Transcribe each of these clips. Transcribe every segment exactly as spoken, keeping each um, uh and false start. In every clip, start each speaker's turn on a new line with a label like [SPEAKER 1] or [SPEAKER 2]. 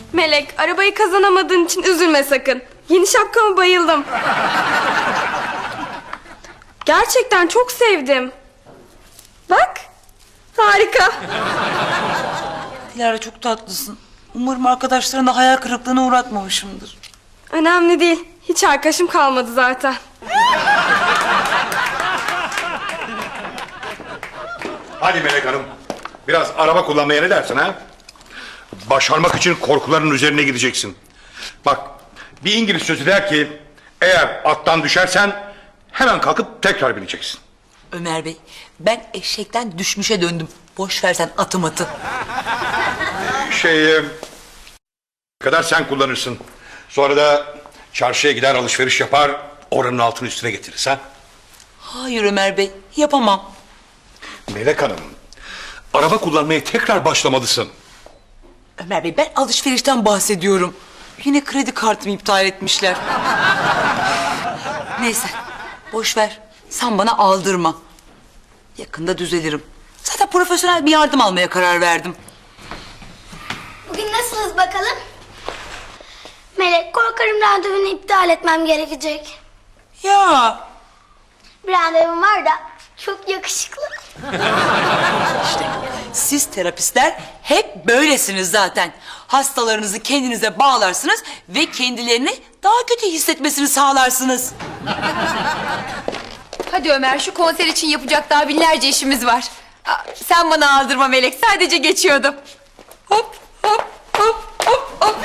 [SPEAKER 1] Melek, arabayı kazanamadığın için üzülme sakın. Yeni şapkama bayıldım. Gerçekten çok sevdim. Bak, harika.
[SPEAKER 2] Dilara çok tatlısın. Umarım arkadaşlarına hayal kırıklığına uğratmamışımdır.
[SPEAKER 1] Önemli değil. Hiç arkadaşım kalmadı zaten.
[SPEAKER 3] Hadi Melek Hanım, biraz araba kullanmaya ne dersin ha? Başarmak için korkuların üzerine gideceksin. Bak, bir İngiliz sözü der ki, eğer attan düşersen hemen kalkıp tekrar bineceksin.
[SPEAKER 2] Ömer Bey, ben eşekten düşmüşe döndüm. Boş versen atım atı.
[SPEAKER 3] Şey, e, kadar sen kullanırsın. Sonra da çarşıya gider alışveriş yapar, oranın altını üstüne getiririz ha?
[SPEAKER 2] Hayır Ömer Bey, yapamam.
[SPEAKER 3] Melek Hanım, araba kullanmaya tekrar başlamalısın.
[SPEAKER 2] Ömer Bey, ben alışverişten bahsediyorum. Yine kredi kartımı iptal etmişler. Neyse, boş ver. Sen bana aldırma. Yakında düzelirim. Zaten profesyonel bir yardım almaya karar verdim.
[SPEAKER 4] Bugün nasılsınız bakalım? Melek, korkarım randevunu iptal etmem gerekecek.
[SPEAKER 2] Ya,
[SPEAKER 4] Bir randevum var da çok yakışıklı.
[SPEAKER 2] siz terapistler hep böylesiniz zaten. Hastalarınızı kendinize bağlarsınız ve kendilerini daha kötü hissetmesini sağlarsınız.
[SPEAKER 5] Hadi Ömer, şu konser için yapacak daha binlerce işimiz var. Aa, sen bana aldırma Melek, sadece geçiyordum. Hop hop hop hop hop.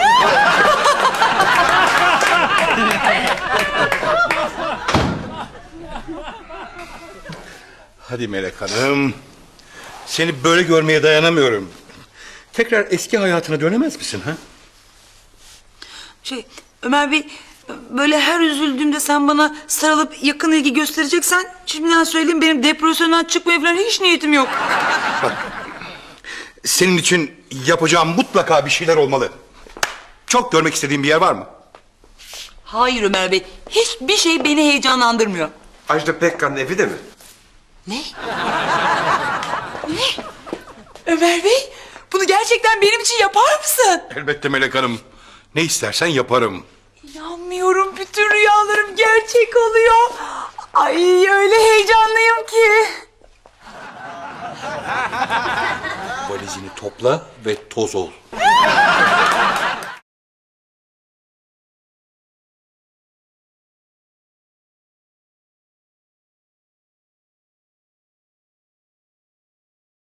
[SPEAKER 3] Hadi Melek Hanım, seni böyle görmeye dayanamıyorum. Tekrar eski hayatına dönemez misin ha?
[SPEAKER 2] Şey, Ömer Bey, böyle her üzüldüğümde sen bana sarılıp yakın ilgi göstereceksen... ...şimdiden söyleyeyim, benim depresyondan çıkmaya falan hiç niyetim yok.
[SPEAKER 3] Senin için yapacağım mutlaka bir şeyler olmalı. Çok görmek istediğin bir yer var mı?
[SPEAKER 2] Hayır Ömer Bey, hiçbir şey beni heyecanlandırmıyor.
[SPEAKER 6] Ajda Pekkan'ın evi de mi?
[SPEAKER 2] Ne? Ne? Ömer Bey, bunu gerçekten benim için yapar mısın?
[SPEAKER 3] Elbette Melek Hanım. Ne istersen yaparım.
[SPEAKER 2] İnanmıyorum, bütün rüyalarım gerçek oluyor. Ay, öyle heyecanlıyım ki.
[SPEAKER 3] Valizini topla ve toz ol.